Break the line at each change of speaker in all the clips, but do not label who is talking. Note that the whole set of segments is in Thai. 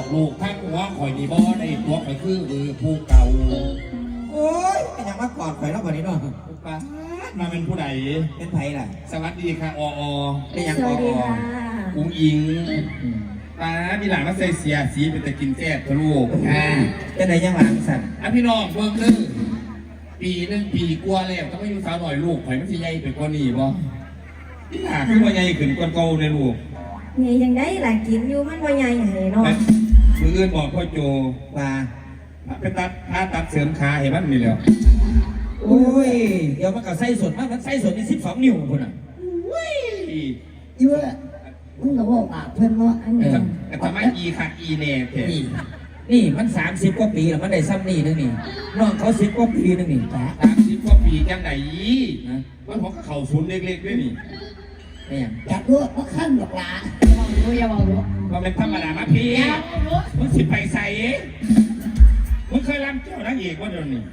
ลูกท่านว่าข่อยนี่บ่ได้ตัวข่อยคือผู้เก่า
โอ้ยเป็นยังมากอดข่อยแล้ววันนี้เนาะ
ป้ามาเป็นผู้ใด
เป็นไผ่ล่ะ
สวัสดีค่ะอ
เป็นยังอ
อุ้งอิงป้ามีหลานมาใส่เสียสีเป็นตะกินแซ่บทะลุ
จะไหนยังหลังสั่น
พี่น้องเบิ่งนึงปีนึงปีกลัวแล้วต้องไม่อยู่สาวหน่อยลูกข่อยมันสิใหญ่เป็นกว่านี้บ่พี่หลานคือว่าใหญ่ขึ้นกว่าเก่าในลูก
นี่ยังได้หลานกินอยู่มันว่าใหญ่ใหญ่เนาะ
มืออื่นบอกพ่อโจ
ว่า
เป็นตัดเสริมขาเห็นมันนี่แล้ว
โอ้ยเดี๋ยวมันก็ไส้สดมันไส้สดนี่12 นิ้วคนอ่ะ
เยอะมึงก็บอกปากเพื่อนว่าอันนี้
แต่ทำไมอีค่ะอีเน่เถอะ
นี่มัน30 กว่าปีแล้วมันได้ซ้ำนี่นึงนี่น้องเขา10 กว่าปีนึงนี่
30 กว่าปีจังไหนมันของเข่าศูนย์เล็กๆด้วยนี่
อยากรู้ว่าขั้นหรอกล่ะอย่าบอกรู้
ว่าเป็นธรรมดามาพี่มึงสิไปใส่มึงเคยรำเจ้านางเอกว่าเดี๋ยวนี้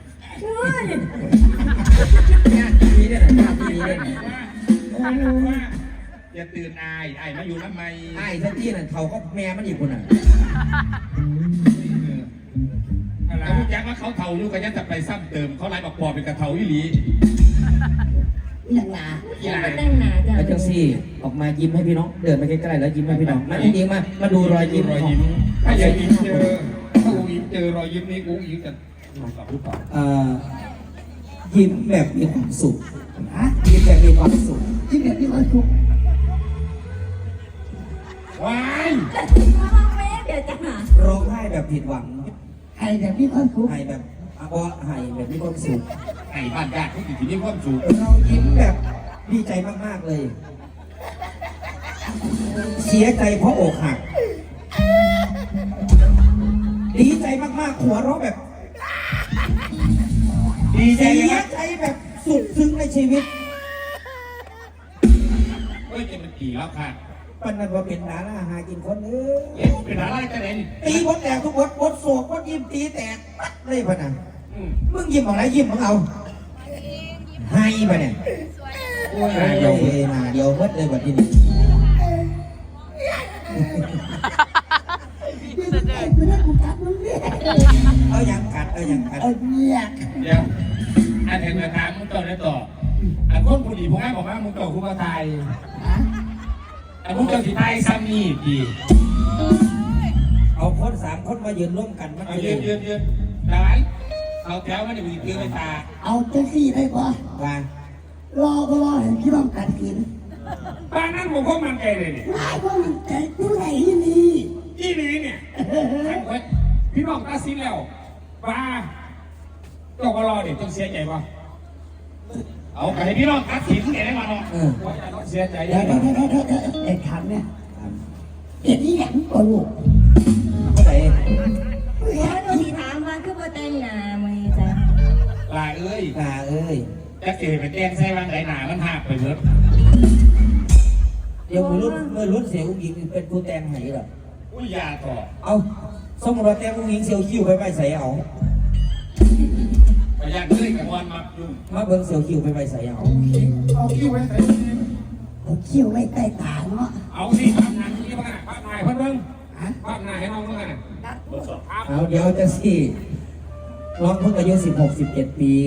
ทีนี้เนี่ยทีนี้เนี่ย
อย่าตื่นอายมาอยู่ทำไม
ท่านที่นั่นเขาก็แม่มันอีกคนอ่ะ
แล้วรู้จักว่าเขาเท่าอยู่กันยังจะไปซ้ำเติมเขาไล่บอกปอเป็นกระเทาอีหลี
ยังหนา
ตั้งหนาจ้ะ
แล้วจังซี่ออกมายิ้มให้พี่น้องเดินไปใกล้ๆแล้วยิ้มให้พี่น้องมาจริงๆมาดูรอยยิ้ม
ถ้าอยากยิ้มเจอถ้ากูยิ้มเจอรอยยิ้มนี้กูยิ้มจะ
ยิ้มแบบมีความสุขยิ้มแบบมีความสุข
ยิ้มแบบมีความสุข
ว้าย
เดี๋ยวจะหา
ร้องไห้แบบผิดหวัง
ให้แบบมีความสุข
ให้แบบให้แบบมีความสุข
ให้บ้านญาติที่อยู่ที่นี่ความสุข
เรายิ้มแบบดีใจมากๆเลยเสียใจเพราะอกหักดีใจมากๆหัวเราะแบบดีใจแบบสุดซึ้งในชีวิต
จะเป็นกี่แล้วค่ะ
ปันนั้นว่าเป็นดาราหากินคน
เป็นดาราจะไหน
ตีบดแตกทุกบดโศกบดยิ้มตีแตกเลยพะนันมึงยิ้มของไรยิ้มของเอาให้ปะเนี่ยเดี๋ยวมาเดี๋ยวมัดเลยวันที่นี้เอาอย่างกัด
เดี๋ยวอันเห็นมาถามมึงต่อได้ต่ออันคนผู้ดีพวกนั้นบอกว่ามึงต่อคุณมาไทยอันมึงต่อสีไทยซ้ำนี่ดี
เอาคน3 คนมายืนร่วมกันมัน
ยืนได้เอาแถวมันอยู่ที่ไม่ตา
เอาเจ้าซี่ได้ปะ
ว่าร
อเห็นพี่น้องกัดกิน
บ้านนั้นผมก็มันใจเลยเนี่ย
ก็มันใจผู้ใหญ่ที่นี่
เนี่ยพี่น้องตัดสินแล้วว่าก็รอเดี๋ยวต้องเสียใจป่ะเอาไปให้พี่น้องตัดสินแกได้มาเนาะเสียใจ
ได้เด็กขันเนี่ยเด็กนี่แหลมกว่าลูก
ก็ไหน
เราสีถามมาคือว่าแต่งหน้าไหมจ๊ะ
ลาเอ้ยจะเกิดเป็นแจ้งใส่วันไหนหนามันหักไปเบิด
เดี๋ยวมือรุ่นเสียอุ้งอิงเป็นผู้แต่งไหนหรอ
อุ้ยยาต่อ
เอาสมมติว่าแต่งอุ้งอิงเสียวคิ้วไปใส่เอา
ไปยากเลยกับวันมายุ่ง
มาเบิ้งเสียวคิ้วไปใส่เอา
คิ้วไว้ใส่
คิ้วไว้ใต้ตาเนาะ
เอาสิภาพนายที่บ้านภาพนายเพิ่งภาพนายให้น้องเมื่อไง
เอาเดี๋ยวจะสิน้องเพิ่งอายุ16-17 ปี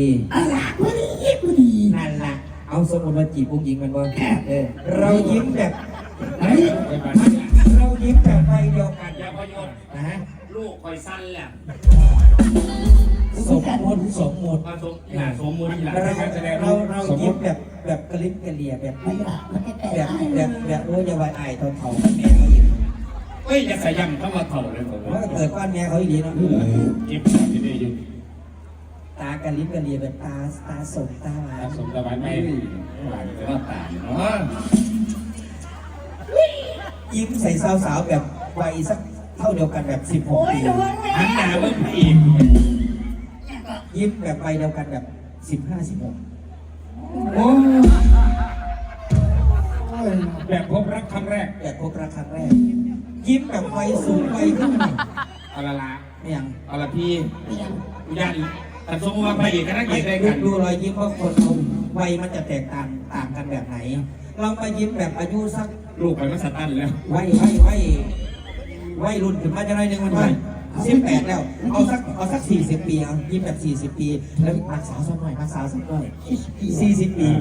นั่นล่ะเอาสมมติว่าจีบผู้หญิงมันว่าเรายิ้มแบบเรายิ้มแบบไปเดียวกัน
อย่าพยศลูกคอยสั้นแหละ
สมมติเรายิ้มแบบกระลิบกระเลียแบบโอ้ยาวายตอนเขาแม่เขายิ้ม
เฮ้ยอย่าใส่ยำเข้ามาเถ่าเลยผม
ว่าเกิดก้อนแม่เขาอีกเนาะ
ยิ้มที่นี่อยู่
ตากระลิบกระเลียแบบตาสมตาหวาน
สมตาหวานไม่หวานแต่ว่าตาเนาะ
ยิ้มใส่สาวๆแบบวัยสักเท่าเดียวกันแบบ16 ปี
หันหน้าเบิ่งอีก
ยิ้มแบบวัยเดียวกันแบบ15-16โอ้
แบบพบรักครั้งแรก
ยิ้มแบบวัยสูงวัยขึ้น
เอาละ
ไม่ยัง
เอาละพี่ญาติแต่สมมติว่าไปอีกก็น่าเกลียดได้กัน
ดูรอยยิ้มว่าคนวัยมันจะแตกต่างกันแบบไหนลองไปยิ้มแบบอายุสัก
ลูกไปก็สตันแล้ว
วัยวัยรุ่นขึ้นมาจะน้อยนึงมันไป18แล้วเอาสัก40 ปีเอายิ้มแบบ40 ปีแล้วรักษาสักหน่อยรักษาสักหน่อย40 ปี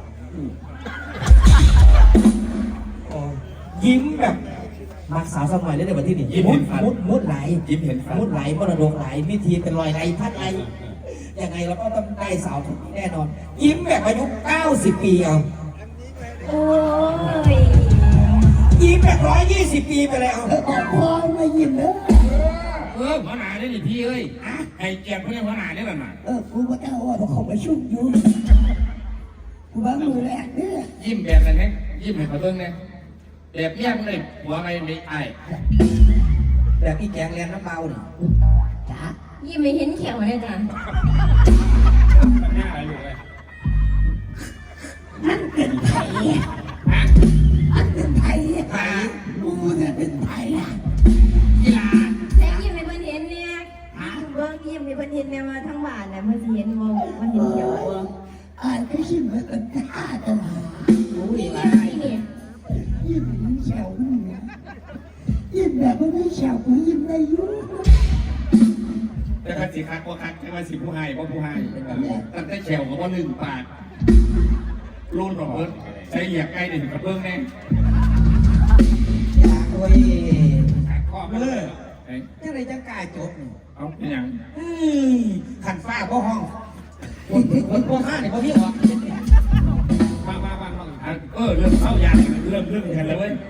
ยิ้มแบบรักษาสักหน่อยได้ในวันที่นี่มุดไหลยิ้มเห็นมุดไหลมรดกไหลวิธีเป็นรอยไหลพัดไหลยังไงเราก็ต้องได้สาวทุกแน่นอนยิ้มแบบอายุ90 ปีเอา
โอ้ย
ยิ้มแบบ120 ปีไปแล้ว
พอไม่ยิ้มเนอะ
หัวหน้าได้ดิพี่เอ้ยให้เกียรติเพื่อนหัวหน้าได้หรือเปล่า
กูก็เจ้าว่าเขาไปชุ่มอยู่กูบ้ามือแรกเนี่ย
ยิ้มแบบนั้นเองยิ้มให้เขาเบิ่งเนี่ยแบบเนี้ยมันเลยหัวไม่ไอ้
แบบพี่แจงเรียนน้ำเบาหนิ
จ้า
ยิ้มไม่เห็นเขียวเลยจ้ะ
หน้าอะไรลูกเลย
นั่นเป็นไผ่
ฮะ
อันเป็นไผ่กูเนี่ยเป็นไผ่อะ
กีฬา
แต่ยิ้มไม่เพิ่นเห็นเนี่ยเบิ่งยิ้มไม่เพิ่นเห็นเนี่ยมาทั้งบ้านน่ะเพิ่นสิเห็นบ่มันเห็นเขียวบ่
อ่านก็ชิมเหมือนกันตาตลอด
รู้อีก
ยิ้
แล้ว
มนี่
ยิ้มเหมือนแฉวมึงนะยิ้มแบบไม่แฉวกูยิ้มได้ยุ่ง
แต่คันสิคักว่าคักแต่ว่าสิผู้ให้เพราะผู้ให้ตั้งแต่แฉวกับว่า1 บาทรุ่นของเพิ่นใช้เหยียบใกล้เด่นกับเบิ้งแน่
อยากโอ้ย
ข้อมาเลย
ยังไงจะกล้าจบนี่
เอาเป็นอย่าง
ขันฟ้าบ่ห้องคนบ่ห้าเนี่ยบ่พี่ออก
มาเริ่มเข้ายากเริ่มกันแล้วเว้ย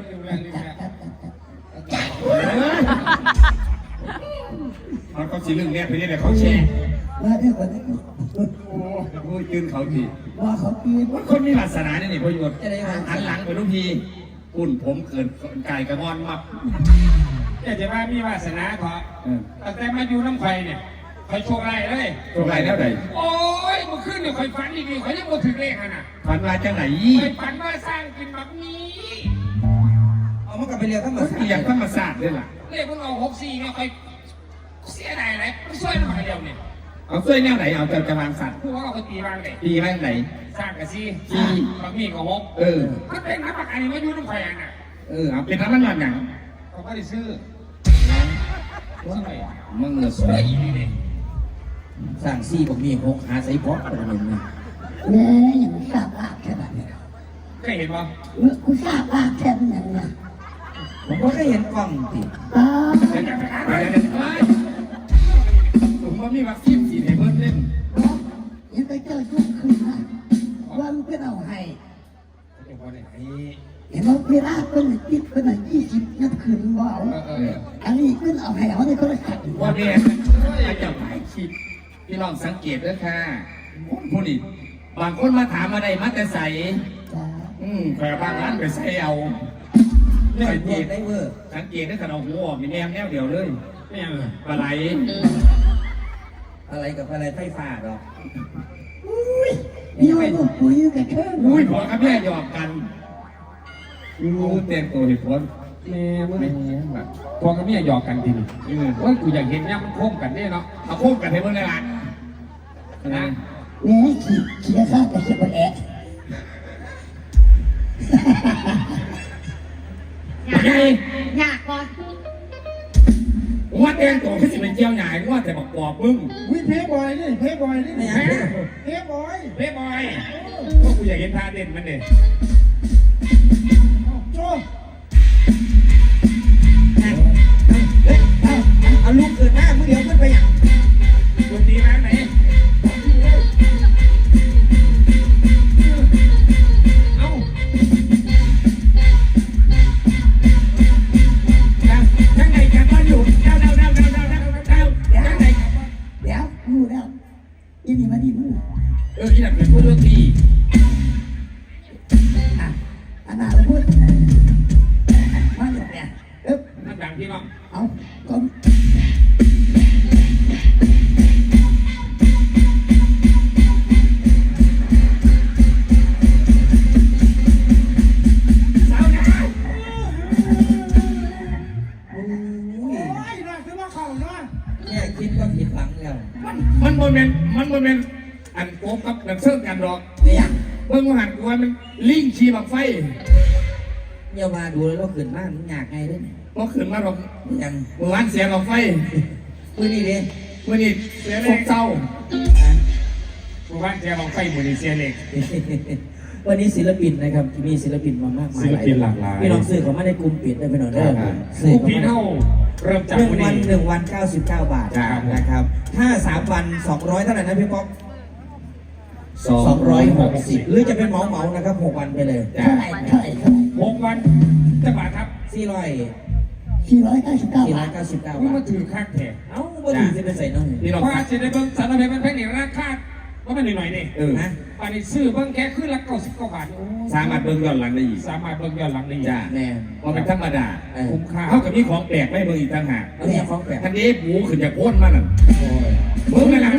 มันก็สิเรื่องเนี้ยไปเนี่ยเขาแชร์
ว่าได้กว่านั้น
โอ้ยตื่นเขาที
ว่าเขาปีน
คนมีวาสนาเนี่ยพยศหันหลังไปทุกทีอุ่นผมเกินไก่กระงอนมับอยากจะว่ามีวาสนาขอแต่มาอยู่น้ำไข่เนี่ยใครโชคไรเลยโชคไรแล้วไหนโอ้ยเมื่อคืนเนี่ยใครฝันดีๆใครยังบ่ถึงเลขอ่ะนะฝันมาจังไหนใครฝันว่าสร้างกินแบบนี้
เอามันกลับไปเรียนธรรมศาสตร์
อย่างธรรมศาสตร์ด้วยล่ะเลขมันเอา64เนี่ยใครเสียดายอะไรไม่ช่วยมันมาเดียวเนี่ยเอาช่วยแนวไหนเอาจะวางสัตว์ผู้ว่าเขาตีบ้างไหนตีบ้างไหนสร้างกับซีบางมีกับฮกมันเป็นน้ำปากอันนี้มาอยู่น้ำไข่อ่ะน่ะเอาเป็นน้ำมันหนังเขาไม่ได้ซื้อมึงเงือกสวยอีนี่
สร้างซี่ผมมี6หาใส่พอกประมาณนี้
แม่ยังทราบลาบแค่ไหน
เคยเห็นป่ะ
กูทราบลาบแค่ไหนนะ
ผมก็ได้เห็นกล้องติ
อ๋อ
เดี๋ยวจะไปหาอะไรผมว่ามีวัคซีนสีในเบิ้ลเล่น
ยังไปเจอยุคคืนนะว่ามันเป็นเอาให้เห็นว่าเวลาเป็นติดเป็น20นับคืนว่าเอาอันนี้เป็นเอาให้เอาในโทรศัพท์
ว่าเนี่ยอาจจะหลายคลิปพี่ลองสังเกตด้วยค่ะผู้นี้บางคนมาถามอะไรมาแต่ใส่
จ้า
แต่บางร้านไปใส่เอา
ไม่
สัง
เห็
เก
น
ต
ได้เวอร์
สังเกตได้ขนาดหัวมีแนวเดียวเลยปลาไหล
อะไรกับอะไรไฟฟ้าหรอก
นี่ว่าลูกปุ๋ยกับแค่
อุ้ยผัวกับแม่หยอกกันเต็มตัวเหตุผลแม่เมื่อแบบผัวกับแม่หยอกกันทีนี้ว่ากูอยากเห็นเนี่ยมันโค้งกันเนี่ยเนาะเอาโค้งกันให้เมื่อไรล่ะนะ
แม่ขี่ข้าแต่เขียบแอะ
ยากก่อน
ว่าแต่งตัวที่สิเป็นเจ้าใหญ่ว่าแต่บอกปอบมึง
วิเพย์บอยนี่เพย์บอยนี่
ไม่
ฮะ
เพย์บอย
เพ่บอยก็กูอยากเห็นท่าเต้นมันเนี่ย
โจ้
เอาลูกเกิดหน้ามือเดียวขึ้นไปอย่าง
ดนตรีร้านไหนเอ้าทั้งไหนกันบ้านอยู่เดาทั้งไหนกัน
เดี๋ยวรู้แล้วยี่นี่มาดิมึง
ที่นั่นเป็นผู้ดนตรี
อ่ะอันนั้นเราพูดมาอยู่เนี่ยเอ๊ะ
นั่นดังพี่น้อง
เอาก็
สาวนะ
โอ้ยน่าคือว่าเขาเนาะ
เนี่ยคิดก็ผิดหวังแล้ว
มันโมเมนต์อันโกงกับนักเซิร์ฟกันหรอก
เนี่ย
เมื่อหันกูว่ามันลิงขี่บังไฟ
เดี๋ยวมาดูแล้วเราขึ้นบ้านมันอยากไงด้วยเนี่ย
ก็ขึ้นมาหรอก
ยัง
เมื่อวานเสียงออกไฟ
มือนี่ดิ
เมื่อนี้เสียเล็กเศร้าเมื่อวานเสียงออกไฟมือนี้เสียเล็ก
วันนี้ศิลปินนะครับที่มีศิลปินมามากมาย
ศิลปินหลากหลาย
พี่น้องซื้อของมาในกลุ่มปิดได้ไปหน่อยเด้อ
ผู้พี่เท่าเริ่มจาก
หนึ่ง
วัน
วัน
นี้
1 วัน 99 บาทนะครับถ้า3 วัน 200เท่าไหร่นะพี่ป๊อก260หรือจะเป็นเหมานะครับ6 วันไปเลย
เท่าไหร่
6 วันจะบาทครับ
499 บาท
499 บา
มันมา
ท
ถือค่าแขก
เอ้าบ่ถือจะไปใส่น้อง
นี่เราว่าจะได้เบิ้งสารเพชรมันแพงนี่ราคาว่ามันหน่อยนี่
นะ
อันนี้ซื้อเบิ้งแค่ขึ้นละ99 บาท
สามารถเบิ่งย้อนหลังได้อีก
สามารถเบิ้งย้อนหลังได้
จ้า
แน่
ว่าเป็นธรรมดา
คุ้มค่า
เท่ากับมีของแปลกไม่เบิ่งอีกต่างหาก
เอาเนี่ยฟ้องแปลก
ทันนี้หมูขึ้นจากโพ้นมานั่นเบิ่งนั่นแหละ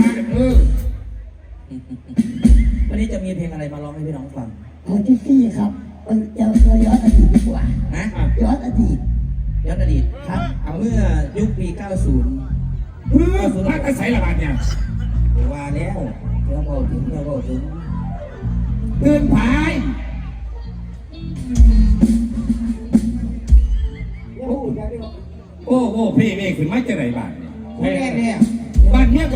วันนี้จะมีเพลงอะไรมาร้องให้พี่น้องฟัง
ของที่4ครับจะย้อนอดีตดีกว่า
นะ
ย้อนอดีต
ย้อนอดีต
ครับ
เอาเมื่อยุคปี 90
มาใส่ละบาทเนี่ย
ว่าแล้วเดี๋ยวบอกถึง
เตือนภาย โอ้พี่เมฆขึ้นมาจะไหนบาทเนี่ย
แม่เนี่ย
บ้านเนี้ย